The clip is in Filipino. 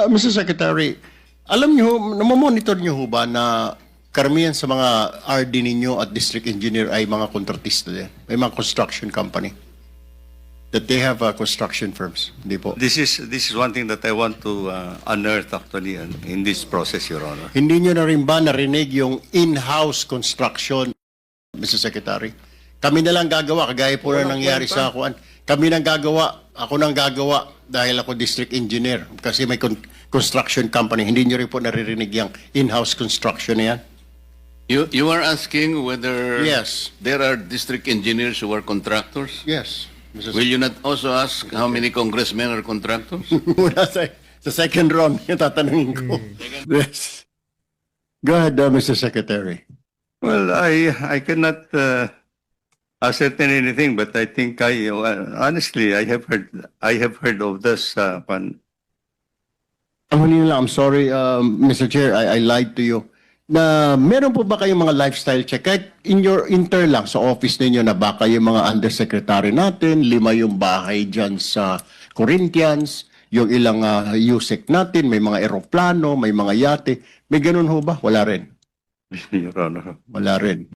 Mr. Secretary, alam niyo, namomonitor niyo ho ba na karamihan sa mga RD ninyo at district engineer ay mga kontratista din? May mga construction company? That they have construction firms? Hindi po. This is one thing that I want to unearth actually in this process, Your Honor. Hindi niyo na rin ba narinig yung in-house construction, Mr. Secretary? Kami na lang gagawa, kagaya po na nangyari sa akuan. Kami nang gagawa, ako nang gagawa dahil ako district engineer kasi may construction company. Hindi niyo rin po naririnig yung in-house construction na yan? You are asking whether Yes. there are district engineers who are contractors? Yes. Mr. Will you not also ask how many congressmen are contractors? Muna sa second round, yung tatanungin ko. Yes. Go ahead, Mr. Secretary. Well, I cannot ascertain anything, but I think honestly I have heard of this. Ang huli na lang, I'm sorry, Mr. Chair, I lied to you. Na meron po ba kayong mga lifestyle check? Kahit in your intern lang sa office ninyo na baka yung mga undersecretary natin, 5 yung bahay dyan sa Corinthians, yung ilang USEC natin, may mga eroplano, may mga yate. May ganun ho ba? Wala rin. Your Honor. Wala rin.